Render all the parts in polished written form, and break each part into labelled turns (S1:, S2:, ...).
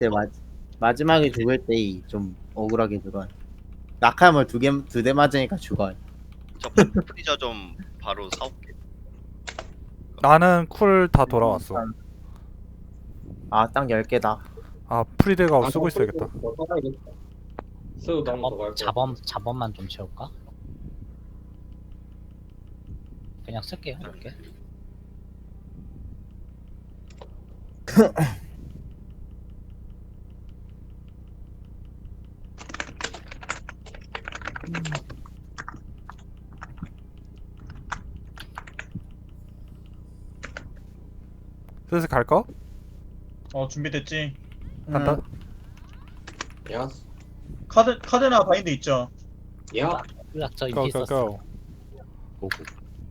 S1: 근데 마지막에 죽을 때 좀 억울하게 죽어. 낙하물 두 대 맞으니까 죽어.
S2: 저 프리저 좀 바로 사올게.
S3: 나는 쿨 다 돌아왔어.
S1: 아, 딱 10개다.
S3: 아 프리드가 쓰고 있어야겠다.
S4: 더 써야겠다. 쓰고 너무 더갈 거.
S5: 자범만 좀 채울까? 그냥 쓸게요 이렇게.
S3: 슬슬 갈까?
S6: 준비됐지?
S3: 간다.
S4: 야,
S6: 카드나 바인드 있죠?
S4: 야,
S5: 저 이게
S3: 고
S5: 있었어.
S3: 고고.
S5: 오고.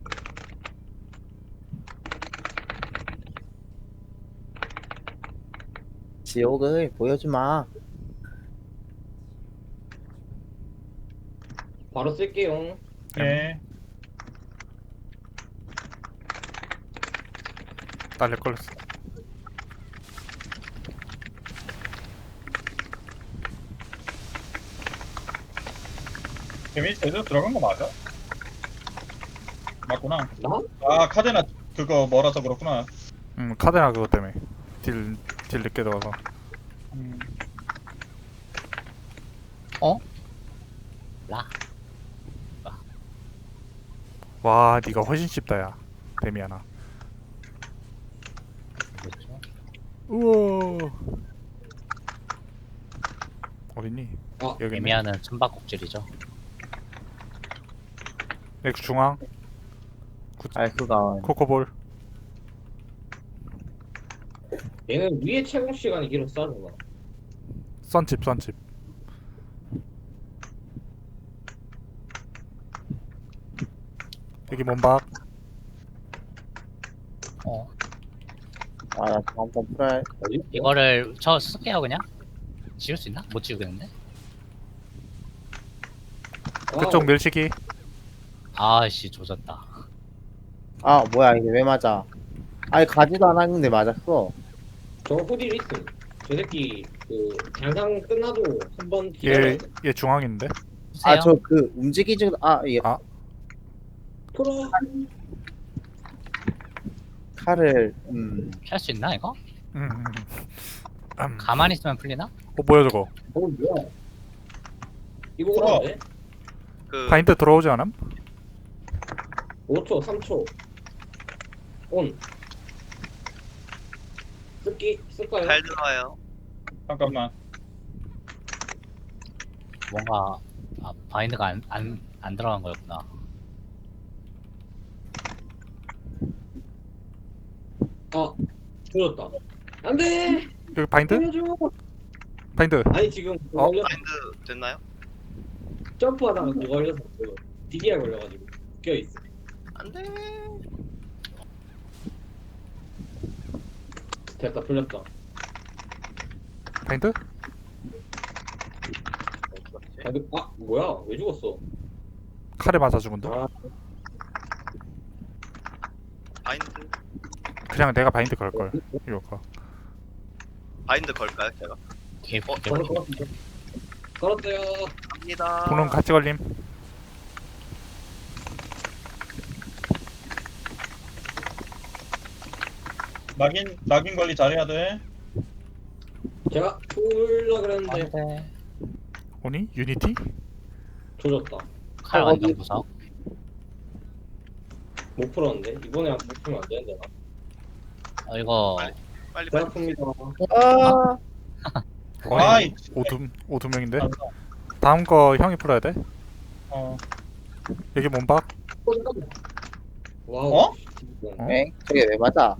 S1: 지옥을 보여주마.
S4: 바로 쓸게요.
S6: 예.
S3: 날려 걸렸어.
S6: 데미지 제대로 들어간 거 맞아? 맞구나.
S4: 나?
S6: 아, 카드나 그거 뭐라서 그렇구나.
S3: 카드나 그것 때문에 딜 늦게 들어가서.
S6: 음,
S5: 라.
S3: 와 니가 훨씬 쉽다 야. 데미아나.
S5: 그렇죠.
S3: 우와. 어딨니?
S4: 아,
S3: 여기 있네.
S5: 에미아는 숨바꼭질이죠.
S3: 엑스 중앙.
S1: 알프가
S3: 코코볼.
S4: 얘는 위에 채공 시간이 길었어, 누가.
S3: 썬칩. 여기 몸박.
S1: 나 다음번 풀어야.
S4: 어디?
S5: 이거를 저 쓸게요 그냥. 지울 수 있나? 못 지우겠는데?
S3: 그쪽 밀치기.
S5: 아씨 조졌다.
S1: 아, 뭐야, 이게 왜 맞아? 아니, 가지도 않았는데 맞았어.
S4: 저 후딜 있음. 저 새끼 그 장상 끝나도 한번
S3: 얘 중앙 있는데.
S1: 아,
S5: 쓰세요.
S1: 저 그 움직이지,
S4: 풀어.
S1: 칼을,
S5: 할 수 있나 이거?
S3: 음.
S5: 가만히 있으면 풀리나?
S3: 뭐야 저거?
S4: 뭐야? 이거
S6: 풀어.
S4: 오는데?
S2: 그
S3: 바인드 들어오지 않음?
S4: 5초, 3초. 온. 쓸까요?
S2: 잘 들어와요.
S6: 잠깐만.
S5: 뭔가 바인드가 안 들어간 거였구나.
S4: 아, 죽었다. 안 돼!
S3: 여기 바인드?
S4: 살려줘!
S3: 바인드.
S4: 아니, 지금 그거
S3: 어?
S4: 걸려서,
S2: 마인드 됐나요?
S4: 점프하다가 그거 걸려서 그 DDR 걸려가지고 껴있어.
S2: 안돼.
S4: 됐다, 풀렸다.
S3: 바인드?
S4: 뭐야? 왜 죽었어?
S3: 칼에 맞아 죽은데?
S4: 아,
S2: 바인드
S3: 그냥 내가 바인드 걸 걸. 이거.
S2: 바인드 걸까요 제가?
S4: 걸었어요.
S2: 갑니다.
S3: 분홍 같이 걸림.
S6: 낙인 관리 잘해야 돼.
S4: 제가 풀라 그랬는데
S5: 안돼.
S3: 오니? 유니티?
S4: 조졌다.
S5: 칼 완전 구석.
S4: 못 풀었는데 이번에 못 풀면 안 되는데 나.
S5: 이거
S2: 빨리
S4: 제가 풉니다.
S1: 아,
S6: 아이,
S3: 오두 명인데. 다음 거 형이 풀어야 돼.
S6: 어,
S3: 여기 몸박.
S4: 와우.
S6: 어?
S3: 어?
S1: 엥? 저게 왜 맞아?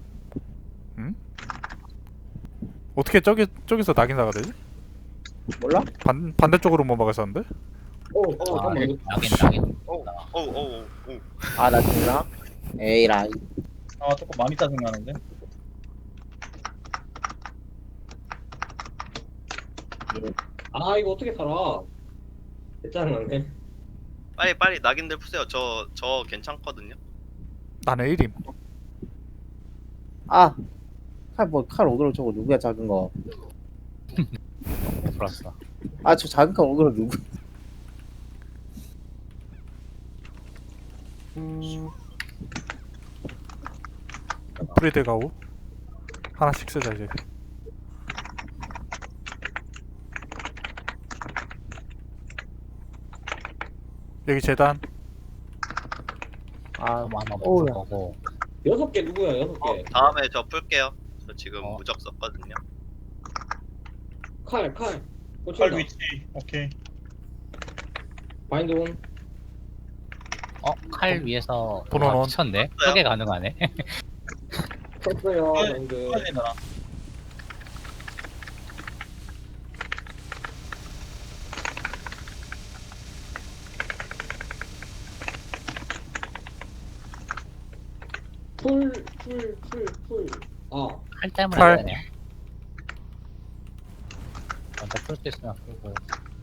S3: 어떻게 저기서 낙인사가 되지?
S1: 몰라?
S3: 반대쪽으로 몸박을 썼는데?
S4: 잠깐만. 이거
S5: 낙인.
S2: 오오오오.
S1: 아, 나 죽나? 에이라이.
S6: 조금 많이 짜증나는데.
S4: 이거 어떻게 살아? 짜증나네.
S2: 빨리 낙인들 푸세요. 저 괜찮거든요.
S3: 나는 1임.
S1: 아, 칼 어그로 저거 누구야, 작은 거.
S5: 풀었어.
S1: 아 저 자극한 어그로 누구?
S3: 프리드 가오. 하나씩 쓰자 이제. 여기 재단.
S1: 아
S5: 너무 한번
S1: 어우야.
S5: 볼 거고.
S4: 6개 누구야 6개.
S2: 다음에 저 풀게요. 저 지금
S5: 어.
S2: 무적 썼거든요.
S4: 칼.
S6: 칼
S4: 꽂힌다.
S6: 위치. 오케이.
S4: 바인드 온.
S5: 칼 위에서
S3: 번호는?
S5: 와, 미쳤네. 저게 가능하네.
S4: 쳤어요
S6: 칼.
S4: 바인드.
S6: 빨리 나.
S4: 풀. 아
S5: 칼 때문에
S3: 칼.
S5: 안 되네. 먼저 풀 수 있으면 풀고.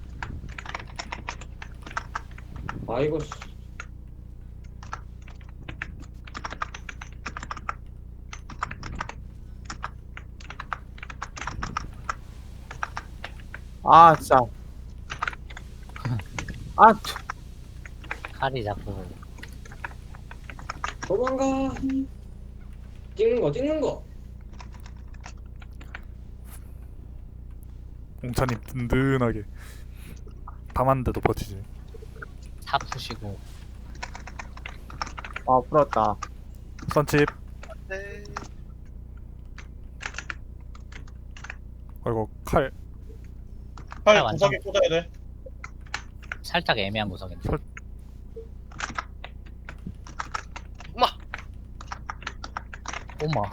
S4: 이거 씨.
S1: 아 진짜. 아
S5: 칼이 자꾸
S4: 도망가. 찍는 거.
S3: 공차님 든든하게 밤한데도 버티지.
S5: 다 푸시고.
S1: 아 풀었다.
S3: 선칩.
S2: 네.
S3: 아이고 칼.
S6: 칼
S5: 완전-
S6: 구석에 꽂아야 돼.
S5: 살짝 애매한 구석인데.
S2: 엄마.
S5: 엄마.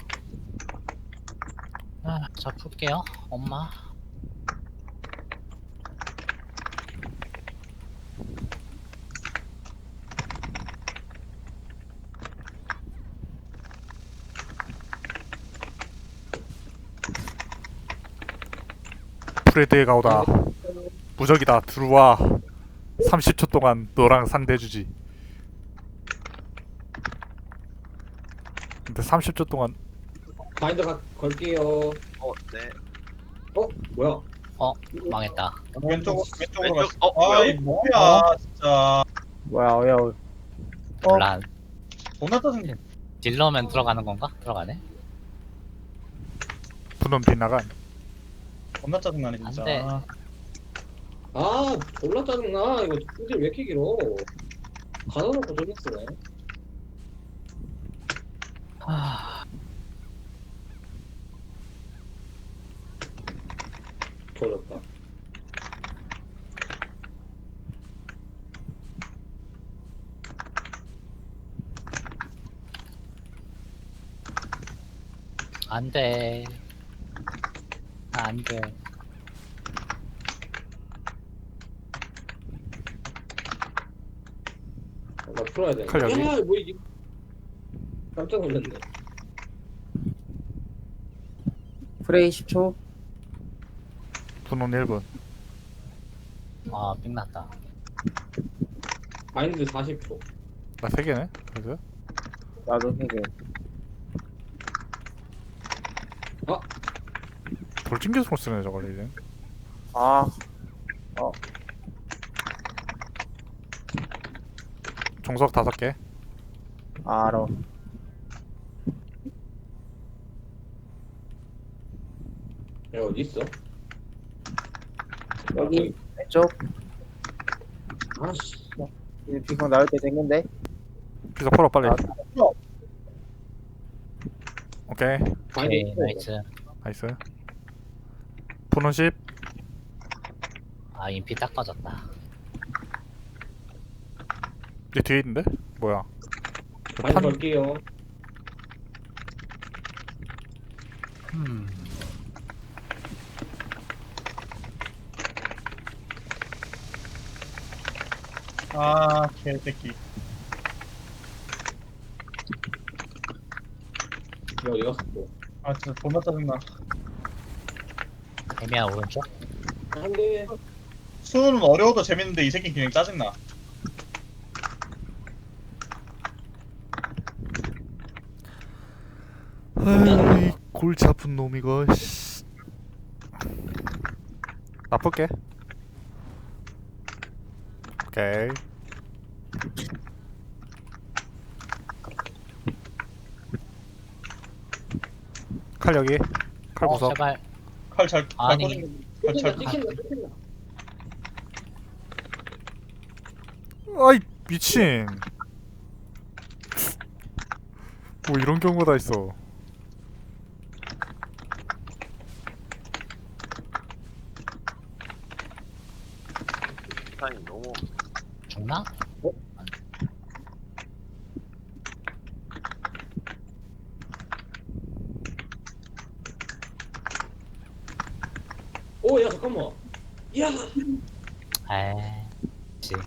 S5: 저 풀게요. 엄마.
S3: 프레드의 가오다. 무적이다. 들어와. 30초 동안 너랑 상대해주지. 근데 30초 동안
S4: 바인드 걸게요.
S2: 네.
S4: 뭐야?
S5: 망했다.
S6: 왼쪽으로
S2: 왼쪽.
S6: 갔어.
S2: 뭐야?
S6: 아이 뭐야 진짜.
S1: 뭐야 어야.
S5: 몰라.
S6: 존나 짜증나.
S5: 딜러면 들어가는 건가? 들어가네.
S3: 분놈 빗나간.
S6: 존나 짜증나네 진짜.
S5: 안 돼.
S4: 졸라 짜증나. 이거 풀딜 왜 이렇게 길어? 가둬놓고 존나 쓰네. 조졌다.
S5: 안 돼. 안 돼.
S4: 나 풀어야 돼.
S3: 칼 여기?
S4: 야, 뭐 이게? 깜짝 놀랐네.
S1: 프레이 10초.
S3: 분놈 1분.
S5: 빅났다.
S4: 바인드 40초.
S3: 나 3개네. 그래서
S1: 나도 3개.
S3: 돌진계속 쓰네 저걸 이제.
S1: 아
S3: 종석 5개.
S1: 알아.
S4: 야, 어디 있어?
S1: 여기 왼쪽.
S4: 아씨.
S1: 이제 비콘 나올 때 됐는데.
S3: 피자 풀어 빨리.
S1: 아.
S3: 오케이.
S5: 오케이,
S4: 바인드
S5: 나이스.
S3: 나이스. 분원 10.
S5: 인피 딱 꺼졌다.
S3: 얘 뒤에 있는데? 뭐야?
S4: 바인드 걸게요.
S6: 아 개새끼.
S4: 야, 어디 갔어 또?
S6: 아 진짜 존나 짜증나.
S5: 애매한 오른쪽?
S4: 안 돼.
S6: 수는 어려워도 재밌는데 이 새끼 그냥 짜증나.
S3: 아이 골치 아픈 놈 이거. 나쁠게. 오케이. 칼 여기. 칼 구석.
S5: 제발.
S6: 칼잘
S5: 아니.
S6: 꽂은
S4: 찍힌다 찍힌다.
S3: 아이 미친. 뭐 이런 경우가 다 있어.
S2: 타임 너무
S5: 죽나?
S4: 오야 잠깐만. 야.
S5: 에이. 그치.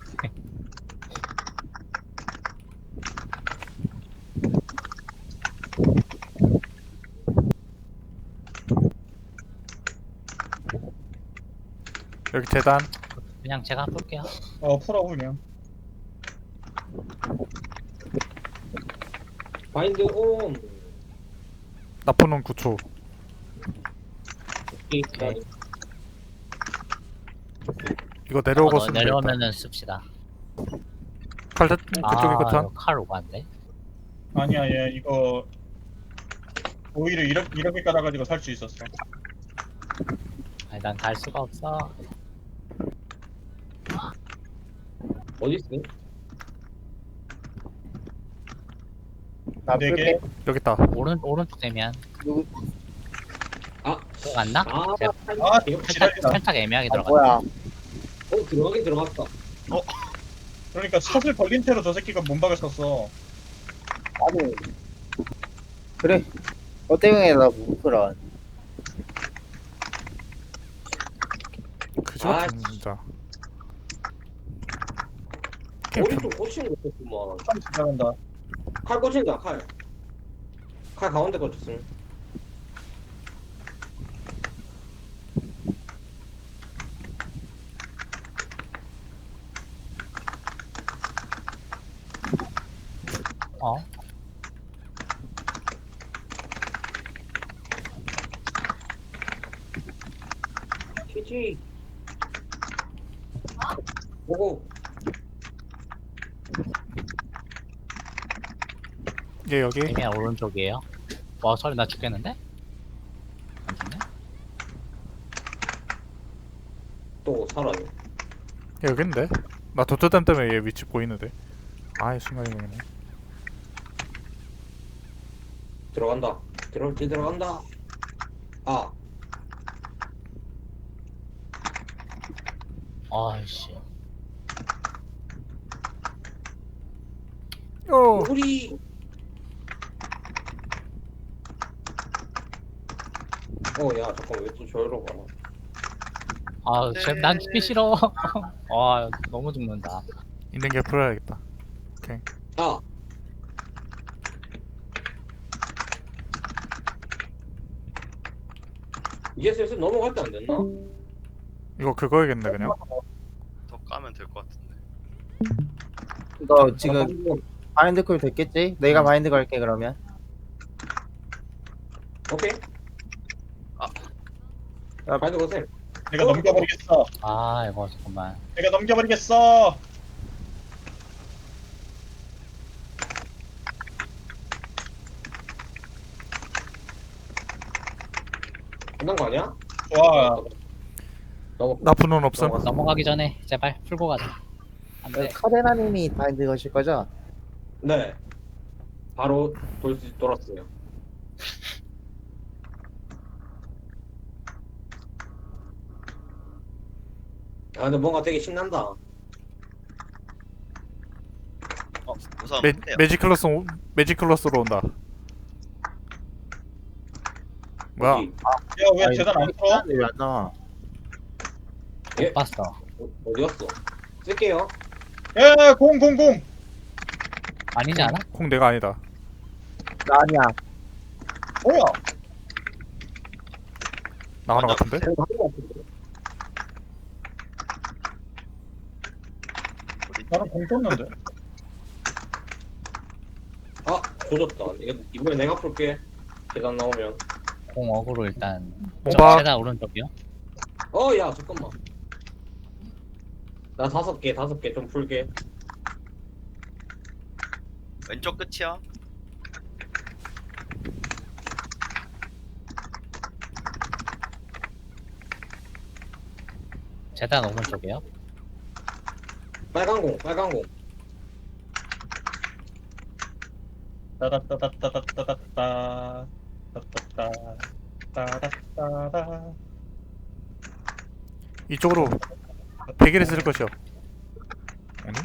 S3: 여기 재단.
S5: 그냥 제가 볼게요.
S6: 풀어 그냥.
S4: 바인드 온.
S3: 나포는 9초.
S5: 오케이.
S3: 이거 내려오고
S5: 어,
S3: 쓰면 되겠다.
S5: 내려오면은 씁시다.
S3: 칼 그쪽에
S5: 아,
S3: 끝한.
S5: 칼 오반데?
S6: 아니야 얘 이거 오히려 이렇게 깔아가지고 살 수 있었어.
S5: 아니 난 갈 수가 없어.
S4: 어디 있어?
S1: 나
S6: 네 개.
S1: 풀게.
S3: 여기 있다.
S5: 오른쪽 되면
S1: 누구?
S5: 그거 갔나?
S4: 아,
S5: 제가
S6: 아
S4: 이거
S6: 지랄이다.
S5: 살짝 애매하게
S1: 아,
S5: 들어갔다.
S1: 뭐야?
S4: 들어가긴 들어갔다.
S6: 그러니까 샷을 걸린 채로 저 새끼가 몸박을 썼어.
S1: 아니. 그래. 어때경에 나못 풀어.
S3: 그저
S4: 아,
S3: 같은 진짜. 게임 편-
S4: 오른쪽 꽂히는 거 있었구만.
S6: 참 잘한다.
S4: 칼 꽂힌다 칼. 칼 가운데 꽂혔음.
S5: 어?
S4: 키지. 오고.
S3: 얘 여기.
S5: 애매한 오른쪽이에요. 와, 소리 나 죽겠는데? 안 죽네?
S4: 또 살아요.
S3: 얘 여기 있는데. 나 도트댐 때문에 얘 위치 보이는데. 아이 순간이 모르네.
S4: 들어간다. 들어간다. 아,
S5: 아이씨.
S3: 어.
S4: 우리. 야 잠깐 왜 또 저기로 가나?
S5: 아, 난 죽기 싫어. 아, 너무 죽는다.
S3: 있는 게 풀어야겠다.
S4: 아, 이제 슬슬 넘어갈 때 안 됐나?
S3: 이거 그거야겠네 그냥.
S2: 더 까면 될 것 같은데.
S1: 너 지금 바인드 콜 됐겠지? 내가 바인드 걸게 그러면.
S4: 오케이.
S1: 야,
S4: 바인드 거세요.
S6: 내가 넘겨버리겠어.
S5: 아, 이거 잠깐만.
S6: 내가 넘겨버리겠어.
S4: 끝난 거 아니야?
S6: 좋아.
S3: 나포는 없음.
S5: 넘어가기 전에 제발 풀고 가자. 안 돼.
S1: 카데나님이 바인드 거실 거죠?
S4: 네. 바로 돌았어요. 아 근데 뭔가 되게 신난다.
S2: 우선
S3: 매,
S2: 해요.
S3: 매지클러스로 온다. 뭐야?
S4: 어디?
S6: 야 왜 재단 안 풀어?
S1: 왜안 나와?
S4: 예?
S5: 못 봤어.
S4: 어디 갔어? 쓸게요.
S6: 야 공.
S5: 아니지 않아?
S3: 콩 내가 아니다.
S1: 나 아니야.
S6: 뭐야?
S3: 나 하나 같은데?
S6: 나는 공 떴는데.
S4: 아 조졌다. 이번에 내가 풀게. 계단 나오면.
S5: 공 어그로 일단.
S3: 뭔가-
S5: 계단 오른쪽이요?
S4: 야 잠깐만. 나 5개 좀 풀게.
S2: 왼쪽 끝이야.
S5: 재단 오른쪽이요?
S4: 빨간 공.
S6: 따다따다따다따다따 따다따 따다따다.
S3: 이쪽으로 베개를 쓸 것이요. 아니?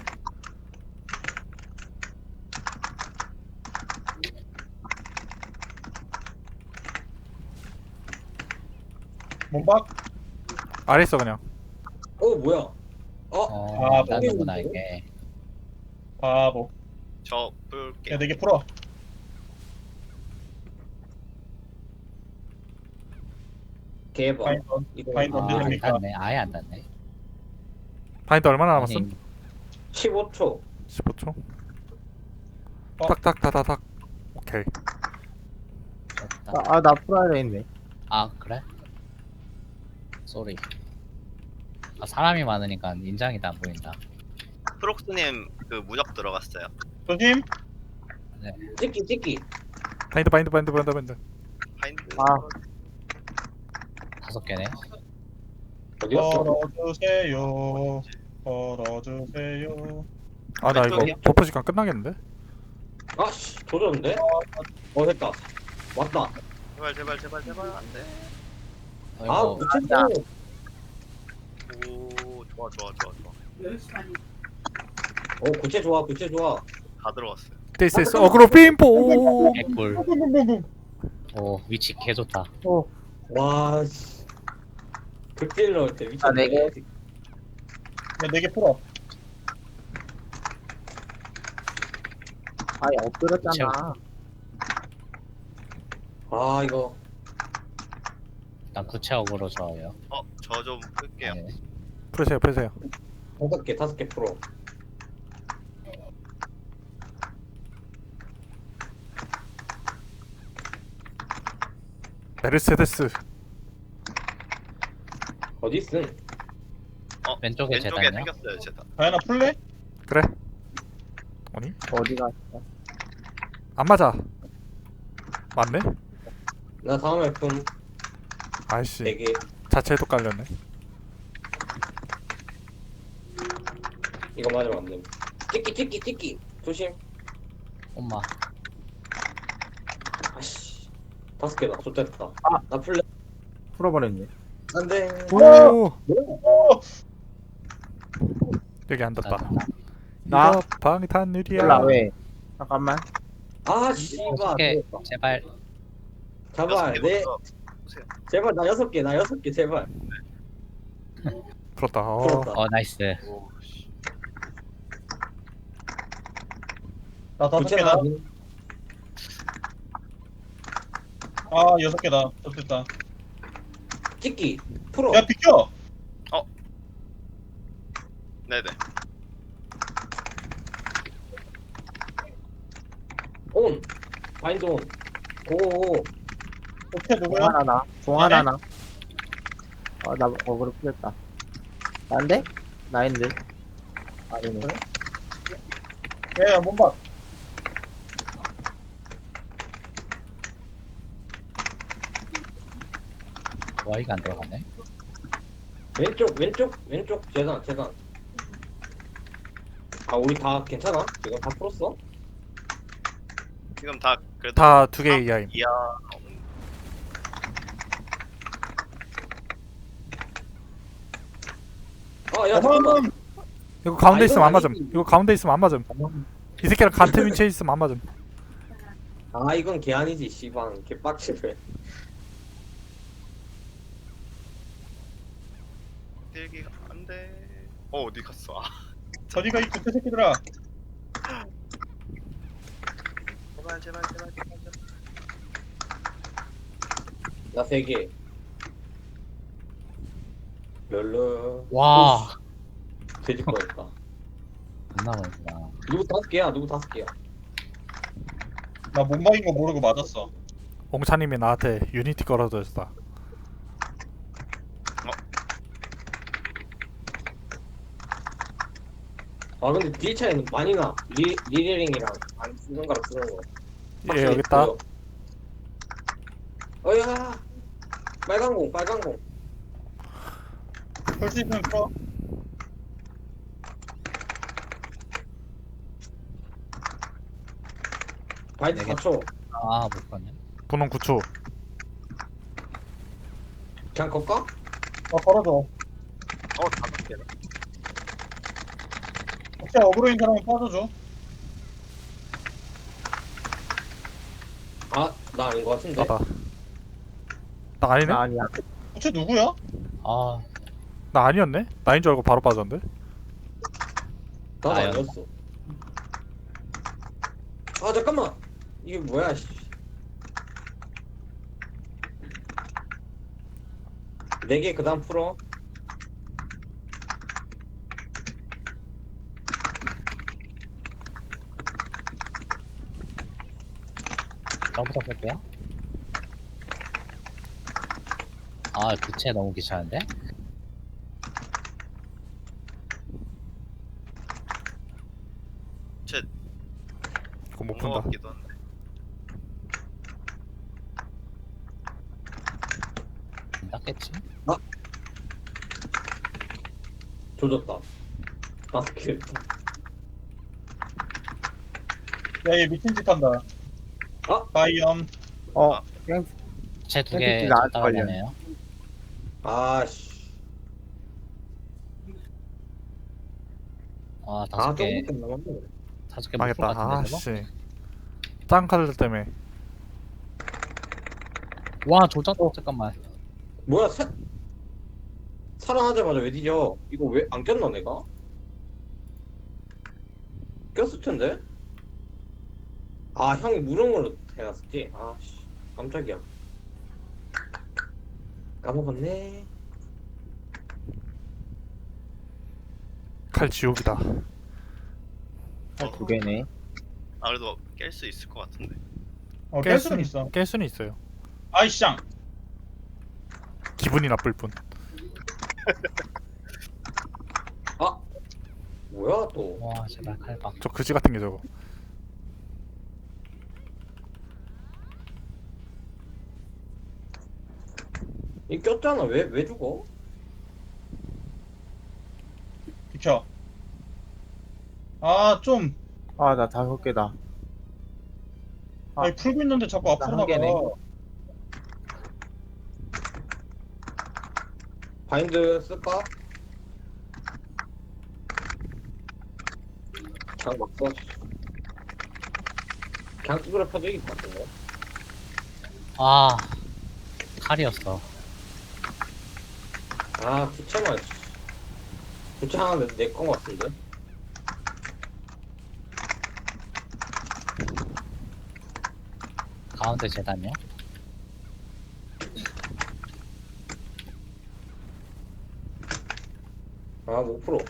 S6: 몸박.
S3: 아래 있어 그냥.
S4: 뭐야?
S6: 아,
S5: 나는구나 이게.
S6: 바보.
S2: 저 풀게.
S6: 야 4개 풀어.
S4: 개봐.
S6: 바인드
S4: 이거
S6: 바인드 언제
S5: 안
S6: 됩니까?
S5: 닿네. 아예 안 닿네.
S3: 바인드 얼마나 남았음?
S5: 아니,
S4: 15초.
S3: 15초.
S6: 어?
S3: 딱딱다다닥. 오케이.
S5: 좋다.
S1: 나 풀어야 되겠네.
S5: 아 그래? 쏘리. 아 사람이 많으니까 인장이 다 안 보인다.
S2: 프록스님 그 무적 들어갔어요.
S6: 조심.
S4: 찍기.
S3: 바인드.
S2: 바인드.
S1: 아.
S5: 5개네.
S4: 어디 갔어?
S6: 걸어주세요. 걸어주세요.
S3: 아 나 이거
S2: 왼쪽이요?
S3: 버프 시간 끝나겠는데?
S4: 아씨 조졌는데? 됐다. 왔다.
S2: 제발 안돼.
S5: 이거
S4: 무채.
S2: 오 좋아. 구체 좋아. 다 들어갔어요.
S3: 데이스 어그로 빔보.
S5: 개꿀. 오 위치 개 좋다.
S4: 와 씨. 극딜 넣을 때 미쳤네.
S1: 4개.
S6: 야 4개 풀어.
S1: 아예 엎드렸잖아.
S4: 이거
S5: 난 구체적으로 좋아요.
S2: 저 좀 끌게요.
S5: 네.
S3: 풀으세요.
S4: 5개 풀어.
S3: 메르세데스.
S4: 어디 있음?
S5: 왼쪽에
S2: 왼쪽에
S5: 재단이요?
S2: 생겼어요 재단.
S6: 다현아 풀래?
S3: 그래. 아니?
S1: 어디가?
S3: 안 맞아. 맞네?
S4: 나 다음에 품
S3: 아이씨
S4: 4개.
S3: 자체도 깔렸네.
S4: 이거 맞으면 안 돼. 찍기. 조심.
S5: 엄마.
S4: 아씨. 5개다. 좋됐다.
S1: 아.
S4: 나 풀래.
S1: 풀어버렸네.
S4: 안 돼.
S3: 오!
S6: 오!
S3: 여기 안 닿다.
S1: 나?
S3: 이거 방탄유리야.
S1: 몰라 왜? 잠깐만.
S4: 씨발.
S5: 6개 제발.
S4: 제발. 네.
S2: 보세요.
S4: 제발 나 6개 제발.
S3: 풀었다.
S4: 풀었다.
S5: 나이스.
S2: 오 씨.
S6: 나 5개다. 아 6개다. 좋겠다.
S4: 찍기. 풀어.
S6: 야 비켜.
S2: 네네.
S4: 온. 바인드 온. 고.
S6: 오케이
S1: 종
S6: 누구야?
S1: 하나 나. 종 하나 나. 나 어그로 풀렸다. 난데? 나인데? 아니네.
S6: 야 몸박.
S5: 와이가 안 들어가네.
S4: 왼쪽 재단. 우리 다 괜찮아? 이거 다 풀었어?
S2: 지금 다 그래도
S3: 다 2개 이하임.
S2: 이야.
S4: 야 잠깐만.
S3: 이거 가운데
S4: 아,
S3: 있으면 안
S4: 이건
S3: 맞음.
S4: 아니지.
S3: 이거 가운데 있으면 안 맞음. 이 새끼랑 같은 위치에 있으면 안 맞음.
S4: 이건 개 아니지 씨방. 개 빡치네.
S2: 딜기가 안돼. 어디 갔어?
S6: 어디가 이 구태 새끼들아.
S2: 제발.
S4: 나 3개. 럴러.
S5: 와.
S4: 돼질 뻔했다.
S5: 안 나오는구나.
S4: 누구 5개야?
S6: 나 몸박인 거 모르고 맞았어.
S3: 옹차님이 나한테 유니티 걸어줬다.
S4: 아 근데 딜 차이는 많이 나. 리레링이랑 안 쓰는 거랑 쓰는 거.
S3: 예, 여기 있다.
S4: 어야 빨간 공.
S6: 볼 수 있으면 풀어.
S4: 바이트
S5: 네 개.
S4: 4초.
S5: 아, 못 봤네.
S3: 분홍 9초.
S4: 그냥 걸까?
S6: 걸어줘.
S2: 5개네.
S6: 혹시 어그로인 사람은 빠져줘.
S4: 아 나 아닌 거 같은데.
S3: 나다. 나 아니네?
S1: 나 아니야.
S6: 혹시 누구야?
S5: 아,
S3: 나 아니었네? 나인 줄 알고 바로 빠졌는데?
S4: 나도
S5: 나요.
S4: 아니었어. 아 잠깐만. 이게 뭐야? 씨. 4개 그다음 풀어.
S5: 저부터 볼게요. 아, 부채 너무 귀찮은데?
S3: 그거 못
S2: 본거
S3: 푼다.
S2: 같기도 한데.
S5: 안 닦겠지?
S4: 조졌다. 5개.
S6: 야얘 미친 짓 한다. 바이엄.
S1: 땡.
S5: 부채 2개
S1: 땡기지 나한테
S5: 따라가네요.
S4: 아씨.
S5: 아,
S4: 아
S5: 5개,
S4: 조금 남았네.
S5: 5개 못풀
S3: 망했다.
S5: 같은데, 저거?
S3: 아씨. 짱 카드 때문에.
S5: 와, 조작, 잠깐만.
S4: 뭐야 살아나자마자 왜 뒤져? 이거 왜 안 꼈나 내가? 꼈을 텐데? 아 형이 무릉으로 해놨었지? 아씨 깜짝이야. 까먹었네.
S3: 칼 지옥이다.
S1: 2개네.
S2: 아 그래도 깰 수 있을 것 같은데.
S6: 깰 수는 있어.
S3: 깰 수는 있어요.
S6: 아이쌍.
S3: 기분이 나쁠 뿐.
S4: 아 뭐야 또?
S5: 와, 제발 칼박.
S3: 저 그지 같은 게 저거.
S4: 이 꼈잖아. 왜 죽어?
S6: 비켜. 아 좀.
S1: 아, 나 5개다. 아.
S6: 아니 풀고 있는데 자꾸 앞으로
S1: 한
S6: 나가.
S1: 개네.
S4: 바인드 쓸까? 그냥 막 써. 그냥 뚜드려 펴도 이길 것 같은데.
S5: 아, 칼이었어.
S4: 아 부채만 부채 하나 내건 것 같은데.
S5: 가운데 재단이요?
S4: 아 5%.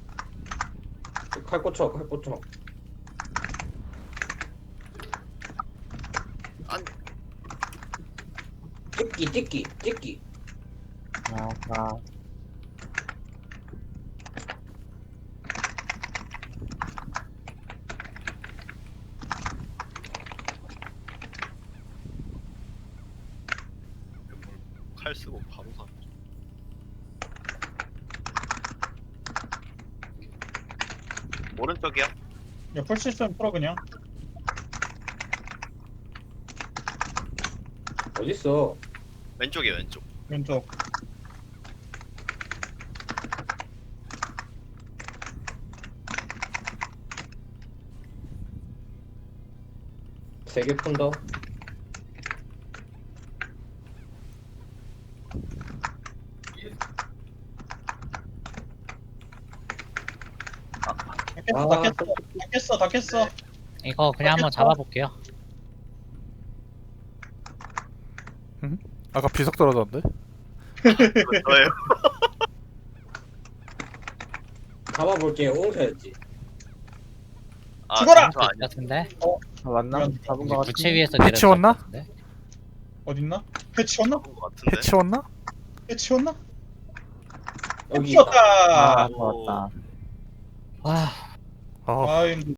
S4: 칼 꽂혀.
S2: 안
S4: 찍기.
S1: 아.
S2: 칼 쓰고 바로 사. 오른쪽이야?
S6: 야풀 수 있으면 풀어 그냥.
S4: 어딨어?
S2: 왼쪽이야 왼쪽.
S6: 왼쪽.
S4: 세 개 푼다.
S6: 다 깼어.
S5: 이거 그냥 한번 잡아볼게요.
S3: 아까 비석 떨어졌는데?
S2: 저예요.
S4: 잡아볼게요. 옹사였지.
S2: 아,
S6: 죽어라!
S2: 저 아니야.
S5: 같은데?
S1: 아, 맞나? 잡은 거 같은데.
S5: 부채 위에서
S3: 배 치웠나?
S5: 같은데?
S6: 어딨나? 회 치웠나?
S2: 잡은 것 같은데.
S3: 해치웠나?
S6: 회 치웠나?
S4: 여기 있다.
S6: 치웠다.
S1: 아, 좋았다.
S5: 와,
S3: 어,
S6: 아, 힘들어.